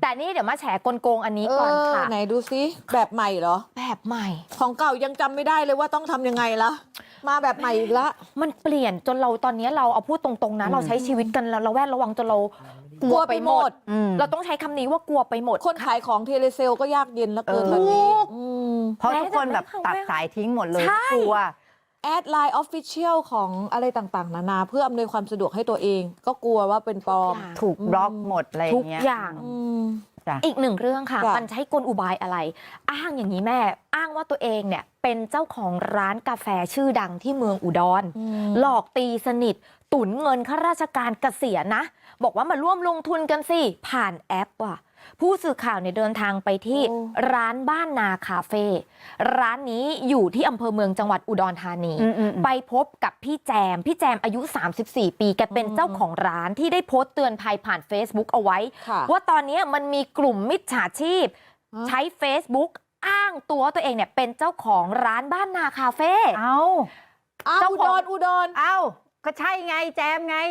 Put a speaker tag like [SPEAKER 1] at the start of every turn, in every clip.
[SPEAKER 1] แต่นี่เดี๋ยวมาแฉกลโกงอันนี้ก่อนค่ะ
[SPEAKER 2] ไหนดูซิแบบใหม่เหรอ
[SPEAKER 1] แบบใหม่
[SPEAKER 2] ของเก่ายังจำไม่ได้เลยว่าต้องทำยังไงละมาแบบใหม่อีกละ
[SPEAKER 1] มันเปลี่ยนจนเราตอนนี้เราเอาพูดตรงๆนะเราใช้ชีวิตกันเราแวดระวังจนเรากลัวไปหมดเราต้องใช้คำนี้ว่ากลัวไปหมด
[SPEAKER 2] คนขายของเทเลเซลก็ยากเย็นแล้วเกินแบบนี้
[SPEAKER 3] เพราะทุกคนแบบตัดสายทิ้งหมดเลยกลัว
[SPEAKER 2] แอดไลน์ Official ของอะไรต่างๆนานาเพื่ออำนวยความสะดวกให้ตัวเองก็กลัวว่าเป็นปลอม
[SPEAKER 3] ถูกบล็อกหมดอะไร
[SPEAKER 1] ทุก
[SPEAKER 3] เงี้ย
[SPEAKER 1] อย่างอีกหนึ่งเรื่องค่ะมันใช้กลอุบายอะไรอ้างอย่างนี้แม่อ้างว่าตัวเองเนี่ยเป็นเจ้าของร้านกาแฟชื่อดังที่เมืองอุดรหลอกตีสนิทตุนเงินข้าราชการเกษียณนะบอกว่ามาร่วมลงทุนกันสิผ่านแอปว่ะผู้สื่อข่าวเนี่ยเดินทางไปที่ร้านบ้านนาคาเฟ่ร้านนี้อยู่ที่อำเภอเมืองจังหวัดอุดรธานีไปพบกับพี่แจมอายุ34ปีแกเป็นเจ้าของร้านที่ได้โพสต์เตือนภัยผ่าน Facebook เอาไว้ว่าตอนนี้มันมีกลุ่มมิจฉาชีพใช้ Facebook อ้างตัวเองเนี่ยเป็นเจ้าของร้านบ้านนาคาเฟ่
[SPEAKER 2] เจ้าอุดร
[SPEAKER 3] ก็ใช่ไงแจมไง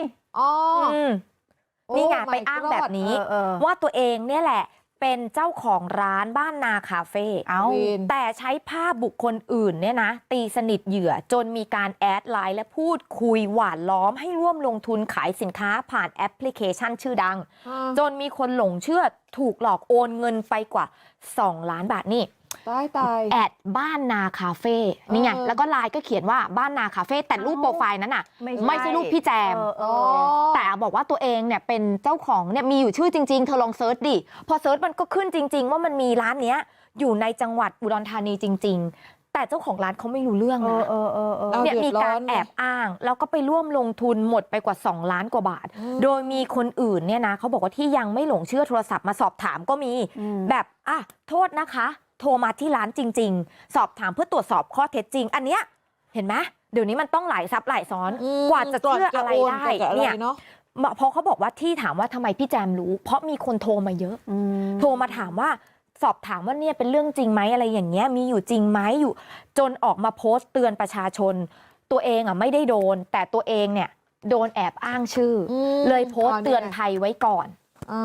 [SPEAKER 1] นี่ไงไปอ้างแบบนี้ว่าตัวเองเนี่ยแหละเป็นเจ้าของร้านบ้านนาคาเฟ่แต่ใช้ภาพบุคคลอื่นเนี่ยนะตีสนิทเหยื่อจนมีการแอดไลน์และพูดคุยหวานล้อมให้ร่วมลงทุนขายสินค้าผ่านแอปพลิเคชันชื่อดังจนมีคนหลงเชื่อถูกหลอกโอนเงินไปกว่า2 ล้านบาทนี่
[SPEAKER 2] ตาย
[SPEAKER 1] แอดบ้านนาคาเฟ่นี่ไงแล้วก็ไลน์ก็เขียนว่าบ้านนาคาเฟ่แต่รูปโปรไฟล์นั้นน่ะไม่ใช่รูปพี่แจมแต่บอกว่าตัวเองเนี่ยเป็นเจ้าของเนี่ยมีอยู่ชื่อจริงๆเธอลองเซิร์ชดิพอเซิร์ชมันก็ขึ้นจริงๆว่ามันมีร้านเนี้ยอยู่ในจังหวัดอุดรธานีจริงๆแต่เจ้าของร้านเขาไม่รู้เรื่องนะเนี่ยมีการแอบอ้างแล้วก็ไปร่วมลงทุนหมดไปกว่า2 ล้านกว่าบาทโดยมีคนอื่นเนี่ยนะเขาบอกว่าที่ยังไม่หลงเชื่อโทรศัพท์มาสอบถามก็มีแบบโทษนะคะโทรมาที่ร้านจริงๆสอบถามเพื่อตรวจสอบข้อเท็จจริงอันเนี้ยเห็นไหมเดี๋ยวนี้มันต้องหลายซับหลายซ้อนกว่าจะเชื่ออะไรได้เนี่ยเพราะเขาบอกว่าที่ถามว่าทำไมพี่แจมรู้เพราะมีคนโทรมาเยอะโทรมาถามว่าสอบถามว่าเนี่ยเป็นเรื่องจริงไหมอะไรอย่างเงี้ยมีอยู่จริงไหมอยู่จนออกมาโพสต์เตือนประชาชนตัวเองไม่ได้โดนแต่ตัวเองเนี่ยโดนแอบอ้างชื่อเลยโพสต์เตือนภัยไว้ก่อน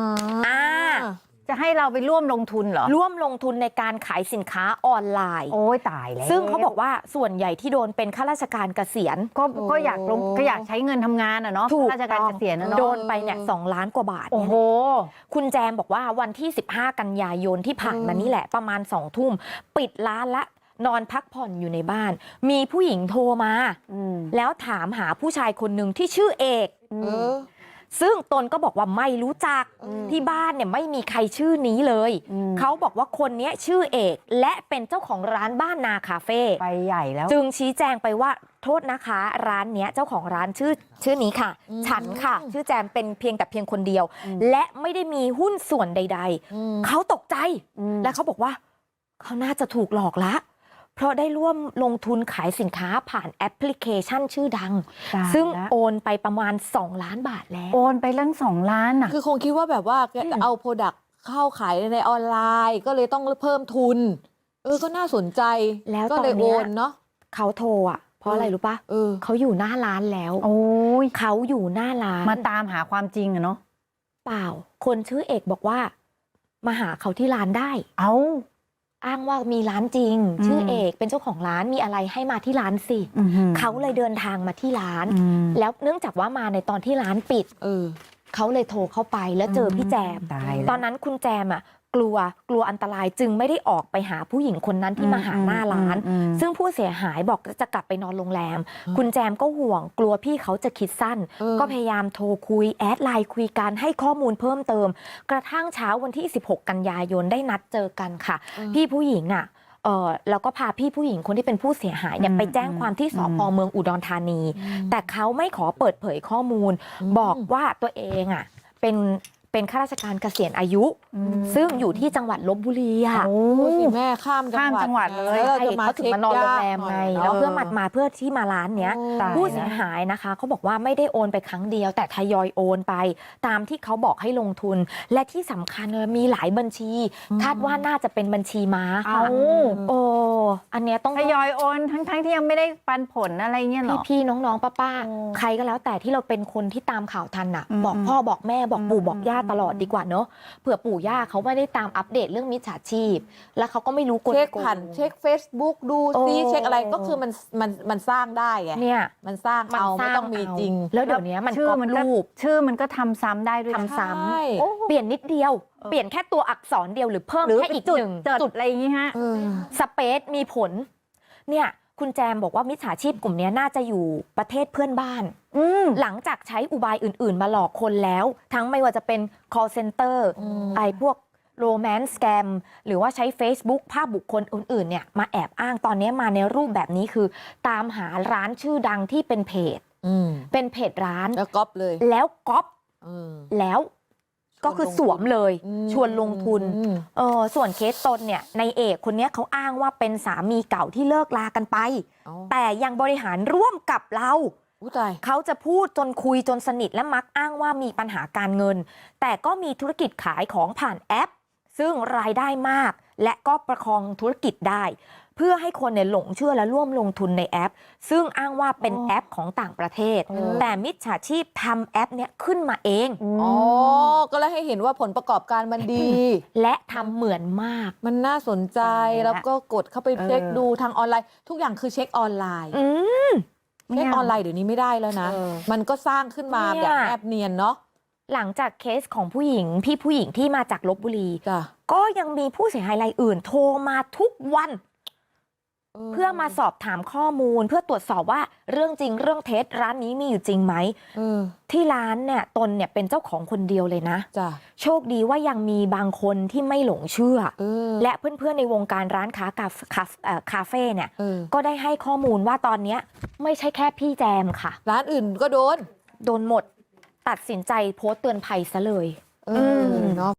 [SPEAKER 3] จะให้เราไปร่วมลงทุนเหรอ
[SPEAKER 1] ร่วมลงทุนในการขายสินค้าออนไลน์
[SPEAKER 3] โอ้ยตายแล้ว
[SPEAKER 1] ซึ่งเขาบอกว่าส่วนใหญ่ที่โดนเป็นข้าราชการเกษียณ
[SPEAKER 3] ก็อยากใช้เงินทำงานเนาะข้าราชการเกษียณเนาะ
[SPEAKER 1] โดนไปเนี่ย2 ล้านกว่าบาท
[SPEAKER 3] โอ้โห
[SPEAKER 1] คุณแจมบอกว่าวันที่15 กันยายนที่ผ่านมานี่แหละประมาณ2 ทุ่มปิดร้านละนอนพักผ่อนอยู่ในบ้านมีผู้หญิงโทรมาแล้วถามหาผู้ชายคนหนึ่งที่ชื่อเอกซึ่งตนก็บอกว่าไม่รู้จักที่บ้านเนี่ยไม่มีใครชื่อนี้เลยเขาบอกว่าคนนี้ชื่อเอกและเป็นเจ้าของร้านบ้านนาคาเฟ่
[SPEAKER 3] ไปใหญ่แล้ว
[SPEAKER 1] จึงชี้แจงไปว่าโทษนะคะร้านเนี้ยเจ้าของร้านชื่อนี้ค่ะฉันค่ะชื่อแจมเป็นเพียงคนเดียวและไม่ได้มีหุ้นส่วนใดๆเขาตกใจและเขาบอกว่าเขาน่าจะถูกหลอกละเพราะได้ร่วมลงทุนขายสินค้าผ่านแอปพลิเคชันชื่อดังซึ่งโอนไปประมาณ2 ล้านบาทแล้ว
[SPEAKER 3] โอนไปตั้ง2 ล้าน
[SPEAKER 2] คือคงคิดว่าแบบว่าเอาโปรดักต์เข้าขายในออนไลน์ก็เลยต้องเพิ่มทุนก็น่าสนใจ
[SPEAKER 1] แล้ว
[SPEAKER 2] ก็เลยโอนเนาะ
[SPEAKER 1] เขาโทรเพราะอะไรรู้ปะเขาอยู่หน้าร้านแล้วเขาอยู่หน้าร้าน
[SPEAKER 3] มาตามหาความจริงเนาะ
[SPEAKER 1] เปล่าคนชื่อเอกบอกว่ามาหาเขาที่ร้านได้อ้างว่ามีร้านจริงชื่อเอกเป็นเจ้าของร้านมีอะไรให้มาที่ร้านสิเขาเลยเดินทางมาที่ร้านแล้วเนื่องจากว่ามาในตอนที่ร้านปิดเขาเลยโทรเข้าไปแล้วเจอพี่แจมตอนนั้นคุณแจมกลัวอันตรายจึงไม่ได้ออกไปหาผู้หญิงคนนั้นที่มาหาหน้าร้านซึ่งผู้เสียหายบอกจะกลับไปนอนโรงแรมคุณแจมก็ห่วงกลัวพี่เขาจะคิดสั้นก็พยายามโทรคุยแอดไลน์คุยกันให้ข้อมูลเพิ่มเติมกระทั่งเช้าวันที่16 กันยายนได้นัดเจอกันค่ะพี่ผู้หญิงแล้วก็พาพี่ผู้หญิงคนที่เป็นผู้เสียหายเนี่ยไปแจ้งความที่สภ.เมืองอุดรธานีแต่เขาไม่ขอเปิดเผยข้อมูลบอกว่าตัวเองเป็นข้าราชการเกษียณอายุซึ่งอยู่ที่จังหวัดลพบุรี
[SPEAKER 2] แม่ข้ามจังหวัด
[SPEAKER 1] เลยเขาถึงมานอนโรงแรมไงแล้วเพื่อเพื่อที่มาร้านเนี้ยผู้เสียหายนะคะเขาบอกว่าไม่ได้โอนไปครั้งเดียวแต่ทยอยโอนไปตามที่เขาบอกให้ลงทุนและที่สำคัญมีหลายบัญชีคาดว่าน่าจะเป็นบัญชีม้าค่ะอันเนี้ยต้อง
[SPEAKER 3] ทยอยโอนทั้งที่ยังไม่ได้ปันผลอะไรเงี้ยหรอ
[SPEAKER 1] พี่น้องป้าใครก็แล้วแต่ที่เราเป็นคนที่ตามข่าวทันบอกพ่อบอกแม่บอกปู่บอกย่าตลอดดีกว่าเนอะเผื่อปู่ย่าเขาไม่ได้ตามอัปเดตเรื่องมิจฉาชีพ แล้วเขาก็ไม่รู้กล
[SPEAKER 2] เช็ค
[SPEAKER 1] โกง
[SPEAKER 2] ผ่านเช็ค Facebook ดูซิ
[SPEAKER 1] โอ้
[SPEAKER 2] เช็คอะไรก็คือมันสร้างได้ไง
[SPEAKER 1] เนี่ย
[SPEAKER 2] มันสร้างเอาไม่ต้องมีจริง
[SPEAKER 1] แล้วเดี๋ยวนี้มัน
[SPEAKER 3] ชื่
[SPEAKER 1] ก๊
[SPEAKER 3] อ
[SPEAKER 1] อป
[SPEAKER 3] มันก็
[SPEAKER 1] รูป
[SPEAKER 3] ชื่อมันก็ทำซ้ำได้ด้วยนะ
[SPEAKER 1] ทำซ้
[SPEAKER 2] ใช่
[SPEAKER 1] ำเปลี่ยนนิดเดียว เปลี่ยนแค่ตัวอักษรเดียวหรือเพิ่ม
[SPEAKER 3] หรือ
[SPEAKER 1] แค่อีก
[SPEAKER 3] จุด
[SPEAKER 1] หนึ่ง
[SPEAKER 3] จุ
[SPEAKER 1] จุ
[SPEAKER 3] ด
[SPEAKER 1] ด
[SPEAKER 3] อะไรอย่างงี้ฮะ
[SPEAKER 2] เออ
[SPEAKER 1] สเปซมีผล เนี่ยคุณแจมบอกว่ามิจฉาชีพกลุ่มนี้น่าจะอยู่ประเทศเพื่อนบ้าน
[SPEAKER 3] อืม
[SPEAKER 1] หลังจากใช้อุบายอื่น ๆ มาหลอกคนแล้ว ทั้งไม่ว่าจะเป็น call center ไอ้พวก romance scam หรือว่าใช้ Facebook ภาพบุคคลอื่น ๆ เนี่ยมาแอบอ้างตอนนี้มาในรูปแบบนี้คือ ตามหาร้านชื่อดังที่เป็นเพจ เป็นเพจร้าน
[SPEAKER 2] แล้วก๊อปเลย
[SPEAKER 1] แล้วก๊อป
[SPEAKER 2] เออ
[SPEAKER 1] แล้วก็คือสวมเลย ชวนลงทุน ส่วนเคสตนเนี่ยในเอกคนนี้เขาอ้างว่าเป็นสามีเก่าที่เลิกลากันไป
[SPEAKER 2] เอา
[SPEAKER 1] แต่ยังบริหารร่วมกับเรา
[SPEAKER 2] อู้ตาย
[SPEAKER 1] เขาจะพูดจนคุยจนสนิทและมักอ้างว่ามีปัญหาการเงิน แต่ก็มีธุรกิจขายของผ่านแอป ซึ่งรายได้มาก และก็ประคองธุรกิจได้ เพื่อให้คนเนี่ยหลงเชื่อและร่วมลงทุนในแอป ซึ่งอ้างว่าเป็นแอปของต่างประเทศ แต่มิจฉาชีพทำแอปเนี้ยขึ้นมาเอง
[SPEAKER 2] อ๋อ ก็เลยให้เห็นว่าผลประกอบการมันดี
[SPEAKER 1] และทำเหมือนมาก
[SPEAKER 2] มันน่าสนใจ แล้วก็กดเข้าไปเช็คดูทางออนไลน์ ทุกอย่างคือเช็คออนไลน์
[SPEAKER 1] อืม
[SPEAKER 2] เช็คออนไลน์เดี๋ยวนี้ไม่ได้แล้วนะ มันก็สร้างขึ้นมา
[SPEAKER 1] เนี่
[SPEAKER 2] แบ
[SPEAKER 1] ย
[SPEAKER 2] บแอบเนียนเนาะ
[SPEAKER 1] หลังจากเคสของผู้หญิงพี่ผู้หญิงที่มาจากลบบุรี
[SPEAKER 2] จ้ะ
[SPEAKER 1] ก็ยังมีผู้เสียหายรายอื่น โทรมาทุกวัน เพื่อมาสอบถามข้อมูล เพื่อตรวจสอบว่าเรื่องจริงเรื่องเท็จร้านนี้มีอยู่จริงไหม ที่ร้านเนี่ยตนเนี่ยเป็นเจ้าของคนเดียวเลยนะ
[SPEAKER 2] จ้ะ
[SPEAKER 1] โชคดีว่ายังมีบางคนที่ไม่หลงเชื่อ
[SPEAKER 2] และ
[SPEAKER 1] และเพื่อนๆในวงการร้านค้าคาเฟ่เนี่ย
[SPEAKER 2] ก็
[SPEAKER 1] ก็ได้ให้ข้อมูลว่าตอนเนี้ยไม่ใช่แค่พี่แจมค่ะ
[SPEAKER 2] ร้านอื่นก็โดน
[SPEAKER 1] โดนหมดตัดสินใจโพสต์เตือนภัยซะเลย
[SPEAKER 2] เนาะ